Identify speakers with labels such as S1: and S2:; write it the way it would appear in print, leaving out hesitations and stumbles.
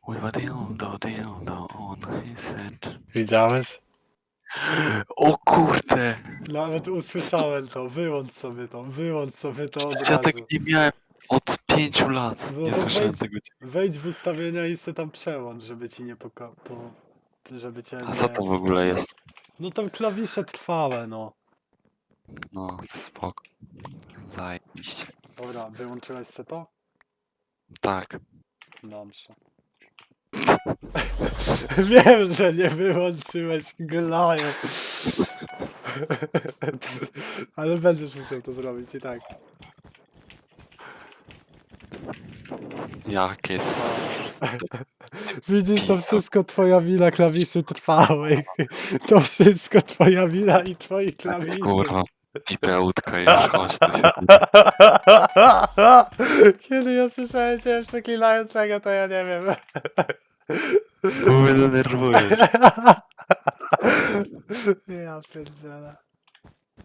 S1: With a dildo on his head.
S2: Widziałeś?
S1: O kurde!
S2: Nawet usłyszałem to. Wyłącz sobie to od
S1: Przecież ja tego
S2: razu.
S1: nie miałem od 5 lat.
S2: No
S1: Nie
S2: to
S1: słyszałem tego.
S2: wejdź w ustawienia i se tam przełącz, żeby ci nie żeby cię
S1: A co to
S2: nie...
S1: w ogóle jest?
S2: No tam klawisze trwałe, no.
S1: No, spoko. Zajebiście.
S2: Dobra, wyłączyłeś se to?
S1: Tak.
S2: Dobrze. Wiem, że nie wyłączyłeś glaju. Ale będziesz musiał to zrobić i tak.
S1: Jakie
S2: Widzisz, to wszystko twoja wina klawiszy trwałych. To wszystko twoja wina i twoich klawiszy.
S1: kurwa pipeutka już, chodź tu się.
S2: Kiedy ja słyszałem cię przeklinającego, to ja nie wiem.
S1: Bo mnie denerwujesz.
S2: Ja pierdzielę.